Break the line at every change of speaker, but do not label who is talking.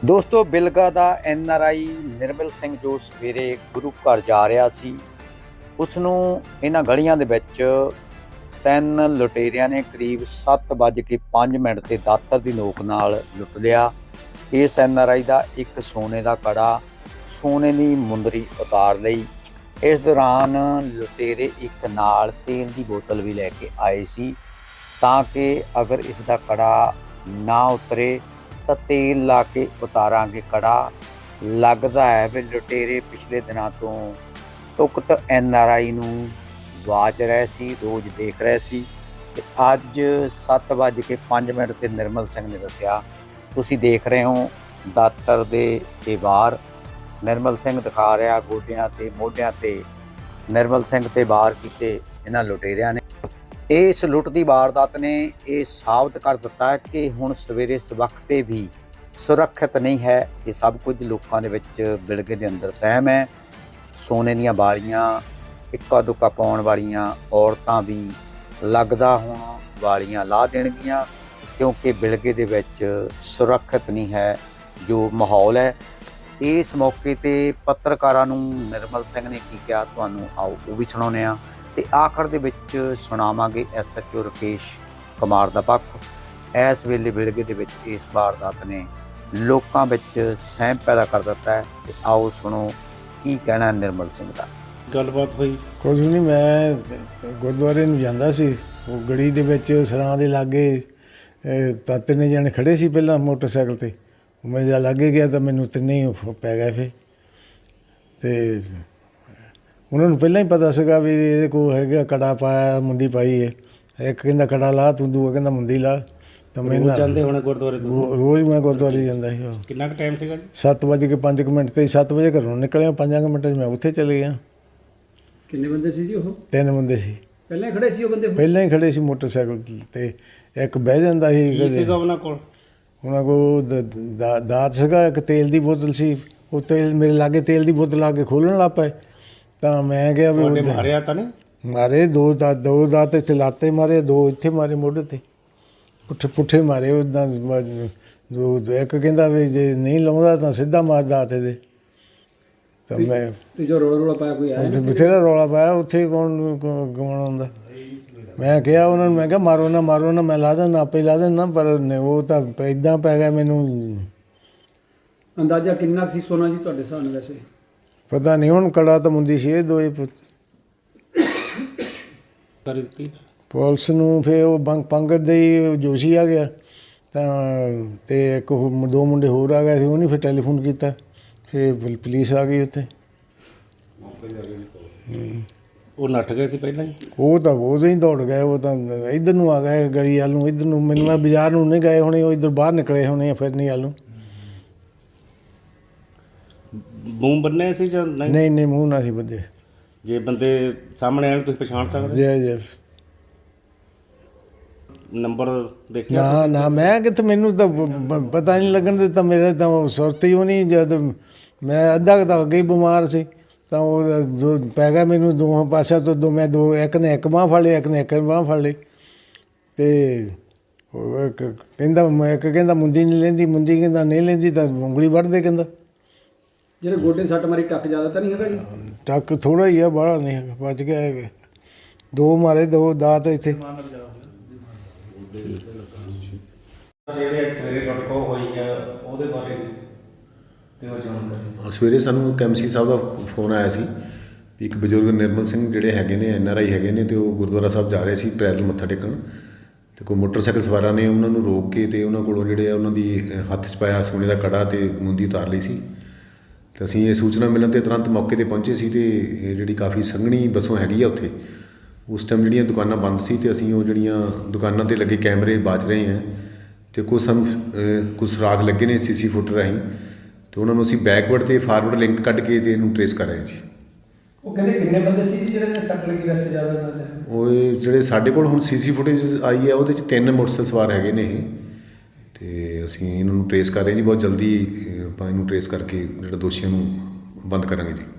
ਦੋਸਤੋ ਬਿਲਗਾ ਦਾ NRI ਨਿਰਮਲ ਸਿੰਘ ਜੋ ਸਵੇਰੇ ਗੁਰੂ ਘਰ ਜਾ ਰਿਹਾ ਸੀ, ਉਸ ਨੂੰ ਇਹਨਾਂ ਗਲੀਆਂ ਦੇ ਵਿੱਚ ਤਿੰਨ ਲੁਟੇਰਿਆਂ ਨੇ ਕਰੀਬ 7:05 ਤੇ ਦਾਤਰ ਦੀ ਨੋਕ ਨਾਲ ਲੁੱਟ ਲਿਆ। ਇਸ NRI ਦਾ ਇੱਕ ਸੋਨੇ ਦਾ ਕੜਾ, ਸੋਨੇ ਦੀ ਮੁੰਦਰੀ ਉਤਾਰ ਲਈ। ਇਸ ਦੌਰਾਨ ਲੁਟੇਰੇ ਇੱਕ ਨਾਲ ਤੇਲ ਦੀ ਬੋਤਲ ਵੀ ਲੈ ਕੇ ਆਏ ਸੀ ਤਾਂ ਕਿ ਅਗਰ ਇਸ ਦਾ ਕੜਾ ਨਾ ਉਤਰੇ ਤਾਂ ਤੇਲ ਲਾ ਕੇ ਉਤਾਰਾਂਗੇ ਕੜਾ। ਲੱਗਦਾ ਹੈ ਵੀ ਲੁਟੇਰੇ ਪਿਛਲੇ ਦਿਨਾਂ ਤੋਂ ਉਕਤ NRI ਨੂੰ ਵਾਚ ਰਹੇ ਸੀ, ਰੋਜ਼ ਦੇਖ ਰਹੇ ਸੀ ਤੇ ਅੱਜ 7:05 ਤੇ ਨਿਰਮਲ ਸਿੰਘ ਨੇ ਦੱਸਿਆ। ਤੁਸੀਂ ਦੇਖ ਰਹੇ ਹੋ ਦਾਤਰ ਦੇ ਵਾਰ ਨਿਰਮਲ ਸਿੰਘ ਦਿਖਾ ਰਿਹਾ, ਗੋਡਿਆਂ ਤੇ ਮੋਢਿਆਂ ਤੇ ਨਿਰਮਲ ਸਿੰਘ ਤੇ ਵਾਰ ਕੀਤੇ ਇਹਨਾਂ ਲੁਟੇਰਿਆਂ ਨੇ। ਇਸ ਲੁੱਟ ਦੀ ਵਾਰਦਾਤ ਨੇ ਇਹ ਸਾਬਤ ਕਰ ਦਿੱਤਾ ਹੈ ਕਿ ਹੁਣ ਸਵੇਰੇ ਇਸ ਵਕਤ ਵੀ ਸੁਰੱਖਿਅਤ ਨਹੀਂ ਹੈ। ਇਹ ਸਭ ਕੁਝ ਲੋਕਾਂ ਦੇ ਵਿੱਚ ਬਿਲਗੇ ਦੇ ਅੰਦਰ ਸਹਿਮ ਹੈ। ਸੋਨੇ ਦੀਆਂ ਵਾਲੀਆਂ, ਇੱਕਾ ਦੁੱਕਾ ਪਾਉਣ ਵਾਲੀਆਂ ਔਰਤਾਂ ਵੀ ਲੱਗਦਾ ਹੁਣ ਵਾਲੀਆਂ ਲਾ ਦੇਣਗੀਆਂ ਕਿਉਂਕਿ ਬਿਲਗੇ ਦੇ ਵਿੱਚ ਸੁਰੱਖਿਅਤ ਨਹੀਂ ਹੈ ਜੋ ਮਾਹੌਲ ਹੈ। ਇਸ ਮੌਕੇ 'ਤੇ ਪੱਤਰਕਾਰਾਂ ਨੂੰ ਨਿਰਮਲ ਸਿੰਘ ਨੇ ਕੀ ਕਿਹਾ, ਤੁਹਾਨੂੰ ਆਓ ਉਹ ਵੀ ਸੁਣਾਉਂਦੇ ਹਾਂ ਤੇ ਆਖਰ ਦੇ ਵਿੱਚ ਸੁਣਾਵਾਂਗੇ SHO ਰਾਕੇਸ਼ ਕੁਮਾਰ ਦਾ ਪੱਖ। ਇਸ ਵੇਲੇ ਬਿਲਗੇ ਦੇ ਵਿੱਚ ਇਸ ਵਾਰਦਾਤ ਨੇ ਲੋਕਾਂ ਵਿੱਚ ਸਹਿਮ ਪੈਦਾ ਕਰ ਦਿੱਤਾ ਹੈ ਤੇ ਆਓ ਸੁਣੋ ਕੀ ਕਹਿਣਾ ਨਿਰਮਲ ਸਿੰਘ ਦਾ।
ਗੱਲਬਾਤ ਹੋਈ
ਕੁਝ ਨਹੀਂ, ਮੈਂ ਗੁਰਦੁਆਰੇ ਨੂੰ ਜਾਂਦਾ ਸੀ, ਉਹ ਗਲੀ ਦੇ ਵਿੱਚ ਸਰਾਂ ਦੇ ਲਾਗੇ ਤਾਂ ਤਿੰਨੇ ਜਣੇ ਖੜ੍ਹੇ ਸੀ ਪਹਿਲਾਂ ਮੋਟਰਸਾਈਕਲ 'ਤੇ। ਮੈਂ ਜਦ ਲਾਗੇ ਗਿਆ ਤਾਂ ਮੈਨੂੰ ਤਿੰਨੇ ਹੀ ਪੈ ਗਏ ਫਿਰ। ਅਤੇ ਉਹਨਾਂ ਨੂੰ ਪਹਿਲਾਂ ਹੀ ਪਤਾ ਸੀਗਾ ਵੀ ਇਹਦੇ ਕੋਲ ਹੈਗਾ ਕੜਾ ਪਾਇਆ, ਮੁੰਦੀ ਪਾਈ ਹੈ। ਇੱਕ ਕਹਿੰਦਾ ਕੜਾ ਲਾ ਤੂੰ, ਦੂਆ ਕਹਿੰਦਾ ਮੁੰਦੀ ਲਾ। ਤਾਂ ਮੈਨੂੰ
ਜਾਂਦੇ ਹੋਣੇ ਗੁਰਦੁਆਰੇ ਤੋਂ?
ਰੋਜ਼ ਮੈਂ ਗੁਰਦੁਆਰੇ ਜਾਂਦਾ ਸੀ।
ਕਿੰਨਾ ਕੁ ਟਾਈਮ ਸੀਗਾ?
7:05 ਤੇ 7 ਵਜੇ ਘਰੋਂ ਨਿਕਲਿਆ, 5 ਮਿੰਟਾਂ 'ਚ ਮੈਂ ਉੱਥੇ ਚਲੇ ਗਿਆ।
ਕਿੰਨੇ ਬੰਦੇ ਸੀ ਜੀ ਉਹ?
3 ਬੰਦੇ ਸੀ।
ਪਹਿਲਾਂ ਹੀ ਖੜੇ ਸੀ ਉਹ ਬੰਦੇ?
ਪਹਿਲਾਂ ਹੀ ਖੜੇ ਸੀ ਮੋਟਰਸਾਈਕਲ 'ਤੇ। ਇੱਕ ਬਹਿ ਜਾਂਦਾ ਸੀ।
ਕੀ ਸੀਗਾ ਉਹਨਾਂ ਕੋਲ?
ਉਹਨਾਂ ਕੋਲ ਦਾਤ ਸੀਗਾ, ਇੱਕ ਤੇਲ ਦੀ ਬੋਤਲ ਸੀ। ਉਹ ਤੇਲ ਮੇਰੇ ਲਾਗੇ ਤੇਲ ਦੀ ਬੋਤਲ ਆ ਕੇ ਖੋਲ੍ਹਣ ਲੱਗ ਪਏ ਤਾਂ ਮੈਂ ਕਿਹਾ ਵੀ
ਮਾਰਿਆ ਤਾਂ ਨਹੀਂ?
ਮਾਰੇ ਦੋ ਦਾਤ ਇੱਥੇ ਲਾਤੇ ਮਾਰੇ, 2 ਇੱਥੇ ਮਾਰੇ ਮੋਢੇ 'ਤੇ, ਪੁੱਠੇ ਮਾਰੇ ਉੱਦਾਂ। ਇੱਕ ਕਹਿੰਦਾ ਵੀ ਜੇ ਨਹੀਂ ਲਾਉਂਦਾ ਤਾਂ ਸਿੱਧਾ ਮਾਰ ਦਾਤ ਇਹਦੇ। ਤਾਂ ਮੈਂ
ਜੋ ਰੌਲਾ ਪਾਇਆ ਕੋਈ ਆਇਆ?
ਉੱਥੇ ਬਥੇਰਾ ਰੌਲਾ ਪਾਇਆ, ਉੱਥੇ ਕੌਣ ਗਵਾਉਣਾ ਹੁੰਦਾ। ਮੈਂ ਕਿਹਾ ਉਹਨਾਂ ਨੂੰ, ਮੈਂ ਕਿਹਾ ਮਾਰੋ ਨਾ, ਮੈਂ ਲਾ ਦਿੰਦਾ, ਆਪੇ ਲਾ ਦਿੰਦਾ। ਪਰ ਉਹ ਤਾਂ ਇੱਦਾਂ ਪੈ ਗਿਆ ਮੈਨੂੰ।
ਅੰਦਾਜ਼ਾ ਕਿੰਨਾ ਸੀ ਸੋਨਾ ਜੀ ਤੁਹਾਡੇ ਹਿਸਾਬ ਨਾਲ? ਵੈਸੇ
ਪਤਾ ਨਹੀਂ, ਹੁਣ ਕੜਾ ਤਾਂ ਮੁੰਦੀ ਸੀ ਇਹ ਦੋਏ
ਕਰ ਦਿੱਤੀ
ਪੁਲਿਸ ਨੂੰ। ਫਿਰ ਉਹ ਪੰਗਤ ਦੇ ਹੀ ਜੋਸ਼ੀ ਆ ਗਿਆ ਤਾਂ ਤੇ ਇੱਕ 2 ਮੁੰਡੇ ਹੋਰ ਆ ਗਏ ਸੀ, ਉਹਨੇ ਫਿਰ ਟੈਲੀਫੋਨ ਕੀਤਾ, ਫਿਰ ਪੁਲਿਸ ਆ ਗਈ ਉੱਥੇ।
ਉਹ ਨੱਠ ਗਏ ਸੀ ਪਹਿਲਾਂ ਹੀ?
ਉਹ ਤਾਂ ਉਦੋਂ ਹੀ ਦੌੜ ਗਏ, ਉਹ ਤਾਂ ਇੱਧਰ ਨੂੰ ਆ ਗਏ ਗਲੀ ਵੱਲ ਨੂੰ, ਇੱਧਰ ਨੂੰ। ਮੈਨੂੰ ਮੈਂ ਬਾਜ਼ਾਰ ਨੂੰ ਨਹੀਂ ਗਏ ਹੋਣੇ, ਉਹ ਇੱਧਰ ਬਾਹਰ ਨਿਕਲੇ ਹੋਣੇ ਫਿਰ ਨਹੀਂ ਵੱਲ ਨੂੰ।
ਮੂੰਹ ਬੰਨੇ ਸੀ ਜਾਂ ਨਹੀਂ?
ਨਹੀਂ, ਮੂੰਹ ਨਾ ਸੀ ਬੱਧੇ।
ਜੇ ਬੰਦੇ ਸਾਹਮਣੇ ਆਣ ਤੁਸੀਂ ਪਛਾਣ ਸਕਦੇ?
ਜੀ
ਨੰਬਰ ਦੇਖਿਆ?
ਨਾ ਮੈਂ ਕਿੱਥੇ, ਮੈਨੂੰ ਤਾਂ ਪਤਾ ਨਹੀਂ ਲੱਗਣ ਦਿੱਤਾ। ਮੇਰੇ ਤਾਂ ਸੁਰਤ ਹੀ ਉਹ ਨਹੀਂ। ਜਦ ਮੈਂ ਅੱਧਾ ਕੁ ਤਾਂ ਅੱਗੇ ਹੀ ਬਿਮਾਰ ਸੀ ਤਾਂ ਉਹ ਪੈ ਗਿਆ ਮੈਨੂੰ ਦੋਹਾਂ ਪਾਸਿਆਂ ਤੋਂ। ਮੈਂ ਇੱਕ ਨੇ ਇੱਕ ਬਾਂਹ ਫੜ ਲਈ, ਇੱਕ ਨੇ ਇੱਕ ਬਾਂਹ ਫੜ ਲਈ। ਅਤੇ ਇੱਕ ਕਹਿੰਦਾ ਮੁੰਦੀ ਨਹੀਂ ਲੈਂਦੀ, ਮੁੰਦੀ ਕਹਿੰਦਾ ਨਹੀਂ ਲੈਂਦੀ ਤਾਂ ਉਂਗਲੀ ਵੱਢਦੇ ਕਹਿੰਦਾ।
ਜਿਹੜੇ ਗੋਡੇ ਸੱਟ ਮਾਰੀ ਟੱਕ ਜ਼ਿਆਦਾ ਤਾਂ ਨਹੀਂ ਹੈਗਾ ਜੀ?
ਟੱਕ ਥੋੜ੍ਹਾ ਹੀ ਆ, ਬਾਹਲਾ ਨਹੀਂ ਹੈਗਾ, ਬਚ ਗਿਆ ਹੈਗਾ। 2 ਮਾਰੇ, 2 ਦਾਤ ਇੱਥੇ।
ਜਿਹੜੇ ਸਵੇਰੇ ਟੁੱਟਕੋ ਹੋਈ ਆ ਉਹਦੇ ਬਾਰੇ ਤੇ ਉਹ ਜਾਣਕਾਰੀ।
ਸਵੇਰੇ ਸਾਨੂੰ KMC ਸਾਹਿਬ ਦਾ ਫੋਨ ਆਇਆ ਸੀ ਵੀ ਇੱਕ ਬਜ਼ੁਰਗ ਨਿਰਮਲ ਸਿੰਘ ਜਿਹੜੇ ਹੈਗੇ ਨੇ NRI ਹੈਗੇ ਨੇ ਅਤੇ ਉਹ ਗੁਰਦੁਆਰਾ ਸਾਹਿਬ ਜਾ ਰਹੇ ਸੀ ਪੈਦਲ ਮੱਥਾ ਟੇਕਣ। ਅਤੇ ਕੋਈ ਮੋਟਰਸਾਈਕਲ ਸਵਾਰਾਂ ਨੇ ਉਹਨਾਂ ਨੂੰ ਰੋਕ ਕੇ ਅਤੇ ਉਹਨਾਂ ਕੋਲੋਂ ਜਿਹੜੇ ਆ ਉਹਨਾਂ ਦੀ ਹੱਥ 'ਚ ਪਾਇਆ ਸੋਨੇ ਦਾ ਕੜਾ ਅਤੇ ਮੁੰਦੀ ਉਤਾਰ ਲਈ ਸੀ। ਅਤੇ ਅਸੀਂ ਇਹ ਸੂਚਨਾ ਮਿਲਣ 'ਤੇ ਤੁਰੰਤ ਮੌਕੇ 'ਤੇ ਪਹੁੰਚੇ ਸੀ ਅਤੇ ਜਿਹੜੀ ਕਾਫੀ ਸੰਘਣੀ ਬੱਸੋਂ ਹੈਗੀ ਆ ਉੱਥੇ। ਉਸ ਟਾਈਮ ਜਿਹੜੀਆਂ ਦੁਕਾਨਾਂ ਬੰਦ ਸੀ ਅਤੇ ਅਸੀਂ ਉਹ ਜਿਹੜੀਆਂ ਦੁਕਾਨਾਂ 'ਤੇ ਲੱਗੇ ਕੈਮਰੇ ਬਾਚ ਰਹੇ ਹਾਂ ਅਤੇ ਕੁਝ ਸੁਰਾਗ ਲੱਗੇ ਨੇ CC ਫੁਟੇਜ ਰਾਹੀਂ ਅਤੇ ਉਹਨਾਂ ਨੂੰ ਅਸੀਂ ਬੈਕਵਰਡ ਅਤੇ ਫਾਰਵਰਡ ਲਿੰਕ ਕੱਢ ਕੇ ਅਤੇ ਇਹਨੂੰ ਟਰੇਸ ਕਰ ਰਹੇ ਹਾਂ ਜੀ।
ਉਹ ਕਹਿੰਦੇ ਕਿੰਨੇ ਬੰਦੇ ਸੀ ਜੀ ਜਿਹੜੇ ਨੇ ਸੱਟ ਲੱਗੀ? ਵੈਸੇ ਜ਼ਿਆਦਾ
ਉਹ ਜਿਹੜੇ ਸਾਡੇ ਕੋਲ ਹੁਣ CC ਫੁਟੇਜ ਆਈ ਹੈ ਉਹਦੇ 'ਚ 3 ਮੋਟਰਸਾਈਕਲ ਸਵਾਰ ਹੈਗੇ ਨੇ ਇਹ। ਅਤੇ ਅਸੀਂ ਇਹਨਾਂ ਨੂੰ ਟਰੇਸ ਕਰ ਰਹੇ ਜੀ। ਬਹੁਤ ਜਲਦੀ ਆਪਾਂ ਇਹਨੂੰ ਟਰੇਸ ਕਰਕੇ ਜਿਹੜਾ ਦੋਸ਼ੀਆਂ ਨੂੰ ਬੰਦ ਕਰਾਂਗੇ ਜੀ।